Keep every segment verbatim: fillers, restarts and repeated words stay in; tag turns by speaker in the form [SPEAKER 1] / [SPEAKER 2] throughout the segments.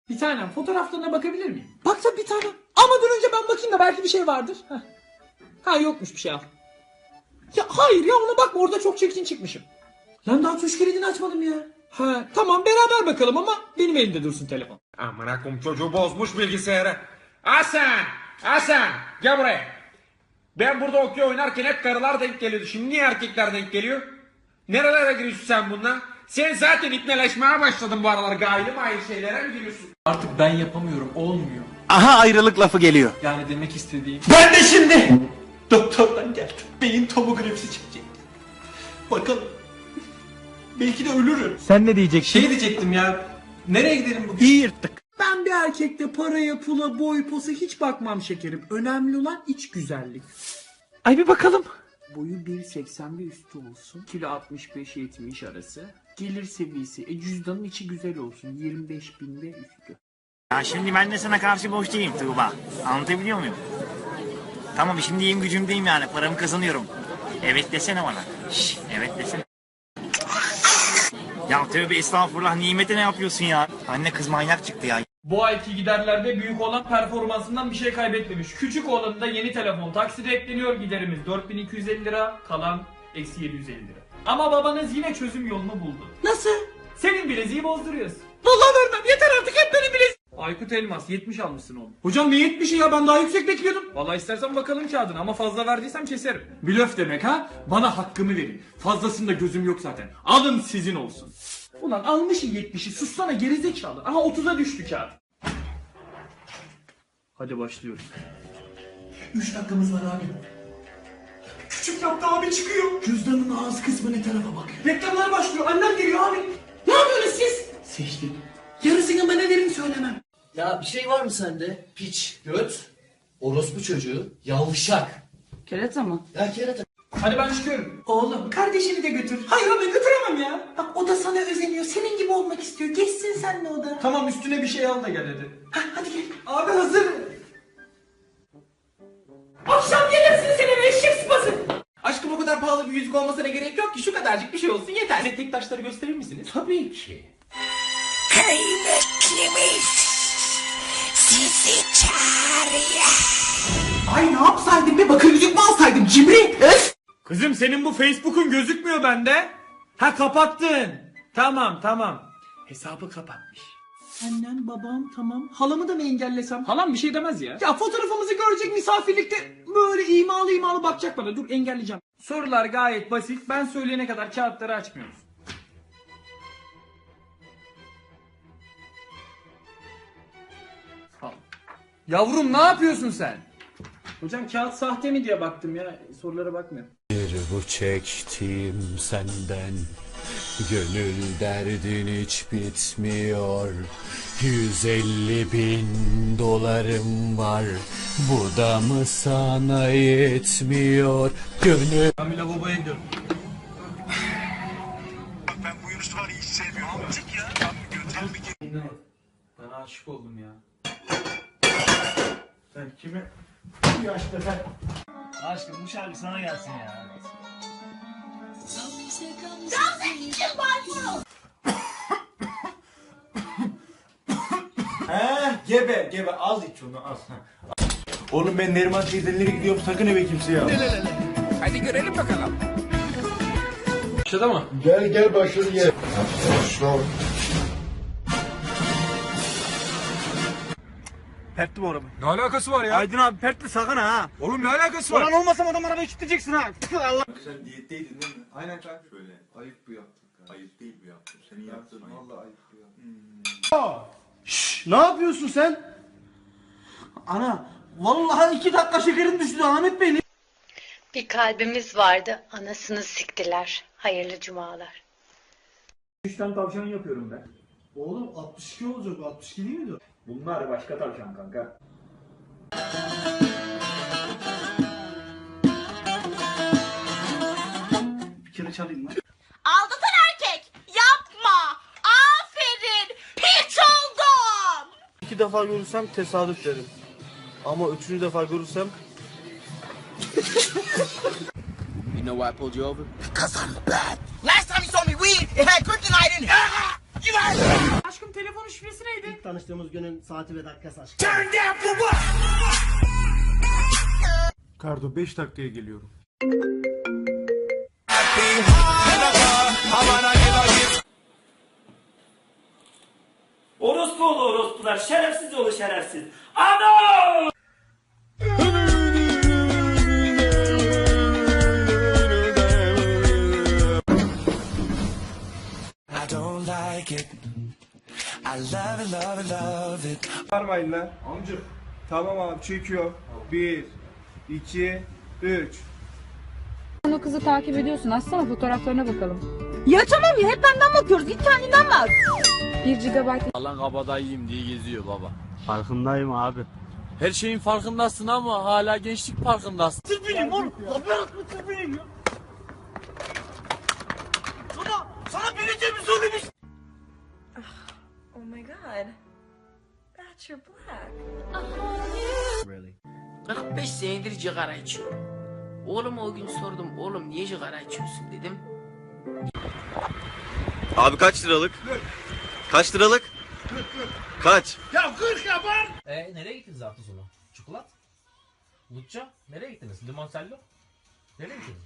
[SPEAKER 1] Bir tanem fotoğraflarına bakabilir miyim? Bak tabii bir tanem. Ama dur önce ben bakayım da belki bir şey vardır. Heh. Ha yokmuş bir şey al. Ya hayır ya ona bakma orada çok çirkin çıkmışım. Lan daha tuş kilidini açmadım ya. Ha tamam beraber bakalım ama benim elimde dursun telefon.
[SPEAKER 2] Amına koyayım çocuğu bozmuş bilgisayarı. Hasan! Hasan! Gel buraya. Ben burada okey oynarken hep karılar denk geliyordu. Şimdi niye erkekler denk geliyor? Nerelere giriyorsun sen bununla? Sen zaten ipneleşmeye başladın bu aralar. Gayri mayri şeylere mi giriyorsun?
[SPEAKER 1] Artık ben yapamıyorum olmuyor.
[SPEAKER 3] Aha ayrılık lafı geliyor.
[SPEAKER 1] Yani demek istediğim.
[SPEAKER 3] Ben de şimdi doktordan geldim. Beyin tomografisi çekecek. Bakalım. Belki de ölürüm.
[SPEAKER 4] Sen ne diyeceksin?
[SPEAKER 1] Şey diyecektim ya. Nereye gidelim bugün?
[SPEAKER 3] İyi yırttık.
[SPEAKER 1] Ben bir erkekte paraya, pula, boy, posa hiç bakmam şekerim. Önemli olan iç güzellik.
[SPEAKER 4] Ay bir bakalım.
[SPEAKER 1] Boyu bir seksen ve üstü olsun. Kilo altmış beş yetmiş arası. Gelir seviyesi. E cüzdanın içi güzel olsun. yirmi beş bin ve üstü.
[SPEAKER 5] Ya şimdi ben de sana karşı boş değilim Tuğba. Anlatabiliyor muyum? Tamam şimdi iyiyim gücümdeyim yani paramı kazanıyorum. Evet desene bana. Şş, evet desene. Ya tövbe estağfurullah nimete ne yapıyorsun ya? Anne kız manyak çıktı ya.
[SPEAKER 1] Bu ayki giderlerde büyük olan performansından bir şey kaybetmemiş. Küçük olanında yeni telefon takside ekleniyor, giderimiz dört bin iki yüz elli lira, kalan eksi yedi yüz elli lira. Ama babanız yine çözüm yolunu buldu. Nasıl? Senin bileziği bozduruyoruz. Vallahi vermem yeter artık hep benim bileziğim. Aykut Elmas yetmiş almışsın oğlum. Hocam ne yetmişi ya ben daha yüksek bekliyordum. Vallahi istersen bakalım kağıdına ama fazla verdiysem keserim. Blöf demek ha? Bana hakkımı verin. Fazlasında gözüm yok zaten. Alın sizin olsun. Ulan almışın yetmişi sussana gerizekalı. Aha otuza düştü kağıt. Hadi başlıyoruz. Üç dakikamız var abi. Küçük yaptı abi çıkıyor. Cüzdanın ağız kısmı ne tarafa bakıyor. Reklamlar başlıyor. Annem geliyor abi. Ne yapıyorsunuz siz? Seçtim. Yarısını bana verin söylemem.
[SPEAKER 6] Ya bir şey var mı sende? Piç, göt, orospu çocuğu, yavşak.
[SPEAKER 7] Kerata mı?
[SPEAKER 6] Ya kerata.
[SPEAKER 1] Hadi ben çıkıyorum. Oğlum kardeşini de götür. Hayır ben götüremem ya. Bak o da sana özeniyor. Senin gibi olmak istiyor. Geçsin senle o da. Tamam üstüne bir şey al da gel hadi. Hah hadi gel. Abi hazır. Akşam gelirsin senin eşek sıpası. Aşkım o kadar pahalı bir yüzük olmasına gerek yok ki. Şu kadarcık bir şey olsun yeter. Size tek taşları gösterir misiniz? Tabii ki.
[SPEAKER 8] Kıymetlimiz sizi çağırıyor.
[SPEAKER 1] Ay ne yapsaydım be bakır yüzük mü alsaydım cimri? Öf. Kızım senin bu Facebook'un gözükmüyor bende. Ha kapattın. Tamam tamam. Hesabı kapatmış. Annem babam tamam. Halamı da mı engellesem? Halam bir şey demez ya. Ya fotoğrafımızı görecek misafirlikte böyle imalı imalı bakacak bana. Dur engelleyeceğim. Sorular gayet basit. Ben söyleyene kadar kağıtları açmıyoruz. Al. Yavrum ne yapıyorsun sen? Hocam kağıt sahte mi diye baktım ya. Sorulara bakmıyorum.
[SPEAKER 9] Bir bu çektiğim senden, gönül derdin hiç bitmiyor. Yüz elli bin dolarım var, bu da mı sana yetmiyor? Gönül...
[SPEAKER 1] Ben bir lavaboya gidiyorum.
[SPEAKER 5] Ben bu Yunus'u var hiç sevmiyorum. Çık ya.
[SPEAKER 1] Ben aşık oldum ya. Sen kime? Bu yaşta sen.
[SPEAKER 5] Aşkım bu şarkı sana gelsin ya.
[SPEAKER 3] He gebe gebe az iç onu az. Oğlum ben Neriman teyzelere gidiyorum sakın eve kimse ya.
[SPEAKER 2] Hadi görelim bakalım.
[SPEAKER 1] Başladı mı?
[SPEAKER 10] Gel gel başladı gel.
[SPEAKER 3] Pertli bu araba.
[SPEAKER 2] Ne alakası var ya?
[SPEAKER 3] Aydın abi pertli sakın ha.
[SPEAKER 2] Oğlum ne alakası var?
[SPEAKER 3] Ulan olmasam adam arabayı kilitleyeceksin ha. Allah.
[SPEAKER 10] Sen diyetteydin değil mi? Aynen kanka. Şöyle. Ayıp bu yaptın. Ayıp değil bu yaptın. Senin yaptığın vallahi ayıp bu yaptın.
[SPEAKER 3] Şşş ne yapıyorsun sen? Ana vallahi iki dakika şekerim düştü Ahmet Bey.
[SPEAKER 8] Bir kalbimiz vardı, anasını siktiler. Hayırlı cumalar.
[SPEAKER 1] Üç tane tavşan yapıyorum ben.
[SPEAKER 3] Oğlum altmış iki olacak altmış iki değil miydi?
[SPEAKER 1] Bunlar başka tavşan kanka.
[SPEAKER 3] Bir kere çalayım lan.
[SPEAKER 8] Aldatan erkek, yapma. Aferin, piç oldum.
[SPEAKER 3] İki defa görürsem tesadüf derim. Ama üçüncü defa görürsem...
[SPEAKER 6] You know why I pulled you over?
[SPEAKER 8] Last time you saw me weed, it had kryptonite in it.
[SPEAKER 1] Aşkım telefonun şifresi neydi?
[SPEAKER 6] Tanıştığımız günün saati ve dakikası aşk.
[SPEAKER 10] Kardo beş dakikaya geliyorum.
[SPEAKER 3] Orospu oğlu orospular, şerefsiz oğlu şerefsiz. Ana!
[SPEAKER 10] Varmayın lan. Amcık. Tamam abi çekiyor. Bir, iki, üç.
[SPEAKER 7] Sen o kızı takip ediyorsun. Açsana fotoğraflarına bakalım.
[SPEAKER 8] Ya tamam ya hep benden bakıyoruz. Git kendinden bak.
[SPEAKER 7] bir gigabayt
[SPEAKER 9] Lan kabadayıyım diye geziyor baba.
[SPEAKER 6] Farkındayım abi.
[SPEAKER 9] Her şeyin farkındasın ama hala gençlik parkındasın.
[SPEAKER 8] Oh my god. That's your black.
[SPEAKER 3] kırk beş senedir sigara içiyorum. Oğlum o gün sordum, oğlum niye sigara içiyorsun dedim.
[SPEAKER 11] Abi kaç liralık? Kaç liralık? Kaç?
[SPEAKER 6] E nereye gittiniz hafta sonu? Çikolat? Lutça? Nereye gittiniz? Limoncello? Nereye gittiniz?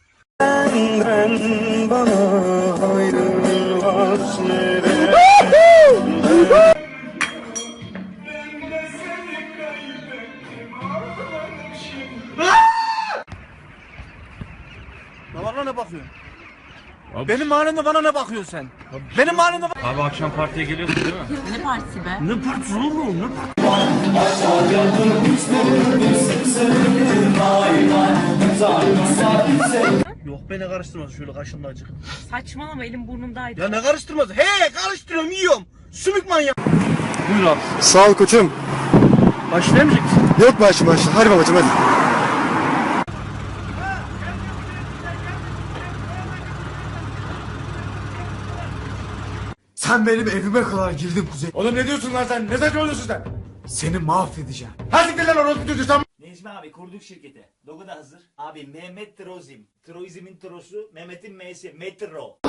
[SPEAKER 10] Bana ne bakıyorsun? Benim mahallemde bana ne bakıyorsun sen? Benim mahallemde...
[SPEAKER 9] Abi akşam partiye geliyorsun değil mi?
[SPEAKER 8] Ne partisi be?
[SPEAKER 10] Ne partisi oğlum? Ne Yok beni karıştırmaz şöyle kaşınma acık.
[SPEAKER 8] Saçmalama elim burnumdaydı.
[SPEAKER 10] Ya ne karıştırmaz? He karıştırıyorum yiyorum. Sümük manyak.
[SPEAKER 11] Buyur abi. Sağ ol koçum.
[SPEAKER 10] Başlayamayacak mısın?
[SPEAKER 11] Yok başım başım. Hadi babacım hadi.
[SPEAKER 10] Sen benim evime kadar girdin Kuzey. Oğlum ne diyorsun lan sen? Ne saçmalıyorsun sen? Seni mahvedeceğim. Hadi gel lan orospu çocuğu sen.
[SPEAKER 5] Necmi abi kurduk şirketi. Logo da hazır. Abi Mehmet Trozim. Troizm'in trosu, Mehmet'in M'si. Metro.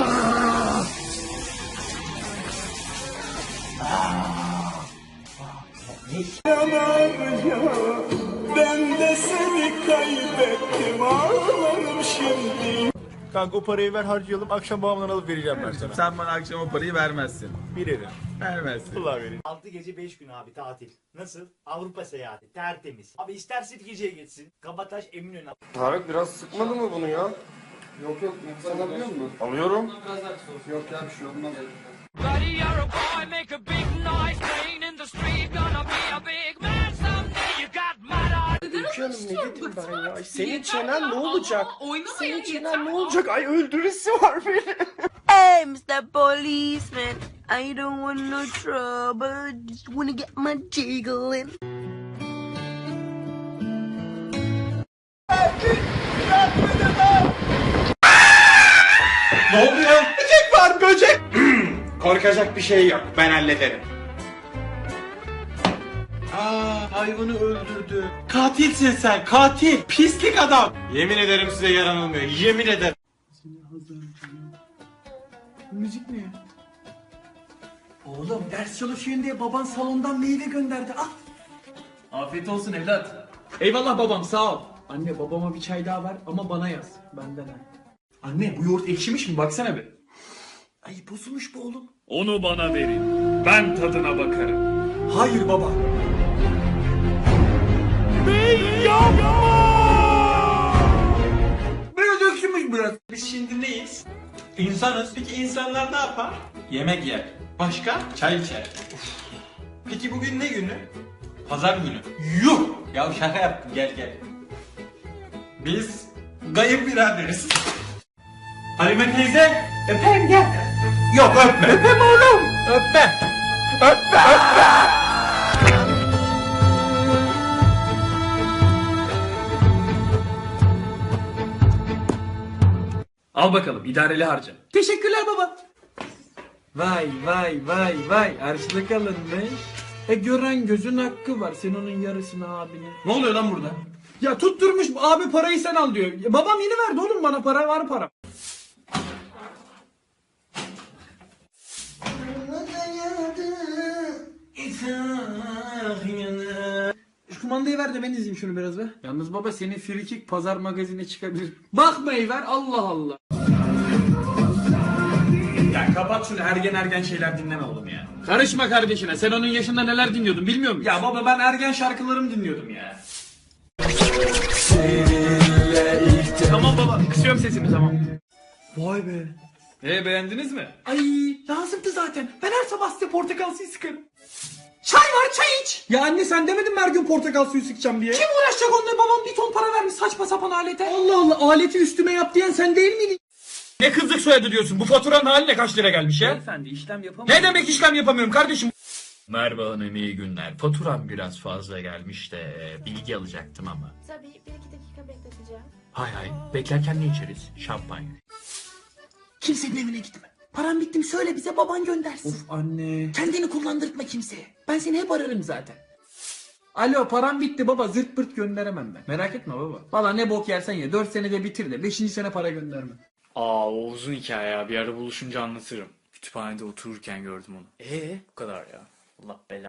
[SPEAKER 10] Ben de seni kaybettim ağlarım şimdi. Kanka o parayı ver harcayalım akşam babamdan alıp vereceğim ben sana.
[SPEAKER 2] Sen bana akşam o parayı vermezsin.
[SPEAKER 10] Bilirim.
[SPEAKER 2] Vermezsin.
[SPEAKER 10] Allah vereyim.
[SPEAKER 5] altı gece beş gün abi tatil. Nasıl? Avrupa seyahati. Tertemiz. Abi ister Sirkeci'ye gitsin. Kabataş Eminönü.
[SPEAKER 11] Tarık biraz sıkmadı mı bunu ya? Yok yok. Sen alıyor musun? Alıyorum. Yok ya bir şey olmaz. Ülke Hanım ne dedim ben ya? Senin çenen ne olacak? Senin çenen ne olacak? Ay öldürüsü var benim.
[SPEAKER 8] Hey mister Policeman. I don't want no trouble. Just wanna get my jiggling.
[SPEAKER 2] Ne oluyor? Böcek var böcek. Korkacak bir şey yok. Ben hallederim. Aa, hayvanı öldürdü. Katilsin sen, katil. Pislik adam. Yemin ederim size yaranılmıyor. Yemin ederim.
[SPEAKER 3] Müzik ne ya? Oğlum ders çalışıyorsun diye baban salondan meyve gönderdi. Al.
[SPEAKER 1] Afiyet olsun evlat. Eyvallah babam sağ ol. Anne babama bir çay daha ver ama bana yaz. Benden ha.
[SPEAKER 3] Anne bu yoğurt ekşimiş mi?
[SPEAKER 1] Baksana bir.
[SPEAKER 3] Ay bozulmuş bu oğlum.
[SPEAKER 1] Onu bana verin. Ben tadına bakarım.
[SPEAKER 3] Hayır baba.
[SPEAKER 2] Böyle dökülmüş biraz. Biz şimdi neyiz? İnsanız. Peki insanlar ne yapar? Yemek yer. Başka? Çay içer. Uf. Peki bugün ne günü? Pazar günü. Yuh! Ya şaka yaptım gel gel. Biz gayip biraderiz. Halime teyze öpeyim gel. Yok öpme. Öpem oğlum. Öpme. Öpme. Öpme.
[SPEAKER 1] Al bakalım idareli harca.
[SPEAKER 3] Teşekkürler baba.
[SPEAKER 1] Vay vay vay vay harçlık alınmış. E gören gözün hakkı var. Sen onun yarısını abine.
[SPEAKER 3] Ne oluyor lan burada?
[SPEAKER 1] Ya tutturmuş abi parayı sen al diyor. Ya babam yeni verdi oğlum bana para var para.
[SPEAKER 3] Şu kumandayı ver de ben izleyeyim şunu biraz be. Yalnız baba senin frikik pazar magazine çıkabilir. Bakmayı ver Allah Allah.
[SPEAKER 1] Ya kapat şunu ergen ergen şeyler dinleme oğlum ya. Karışma kardeşine, sen onun yaşında neler dinliyordun bilmiyor musun? Ya baba ben ergen şarkılarımı dinliyordum ya. Tamam baba kısıyorum sesimi tamam.
[SPEAKER 3] Vay be.
[SPEAKER 1] E beğendiniz mi?
[SPEAKER 3] Ay lazımdı zaten. Ben her sabah size portakal suyu sıkarım. Çay var çay iç. Ya anne sen demedin mi her gün portakal suyu sıkacağım diye? Kim uğraşacak onunla, babam bir ton para vermiş saçma sapan alete. Allah Allah, aleti üstüme yap diyen sen değil miydin?
[SPEAKER 1] Ne kızlık soyadı diyorsun? Bu faturanın haline kaç lira gelmiş ya?
[SPEAKER 3] Beyefendi işlem yapamıyorum.
[SPEAKER 1] Ne demek işlem yapamıyorum kardeşim?
[SPEAKER 12] Merhaba hanım, iyi günler. Faturam biraz fazla gelmiş de e, bilgi alacaktım ama.
[SPEAKER 8] Tabii bir iki dakika bekleteceğim.
[SPEAKER 12] Hay hay, beklerken ne içeriz? Şampanya.
[SPEAKER 3] Kimsenin evine gitme. Param bitti mi söyle bize, baban göndersin. Of anne. Kendini kullandırtma kimseye. Ben seni hep ararım zaten. Alo param bitti baba, zırt pırt gönderemem ben. Merak etme baba. Valla ne bok yersen ye, dört senede bitir de beşinci sene para gönderme.
[SPEAKER 13] Aa o uzun hikaye ya. Bir ara buluşunca anlatırım. Kütüphanede otururken gördüm onu. Ee bu kadar ya. Allah belanı.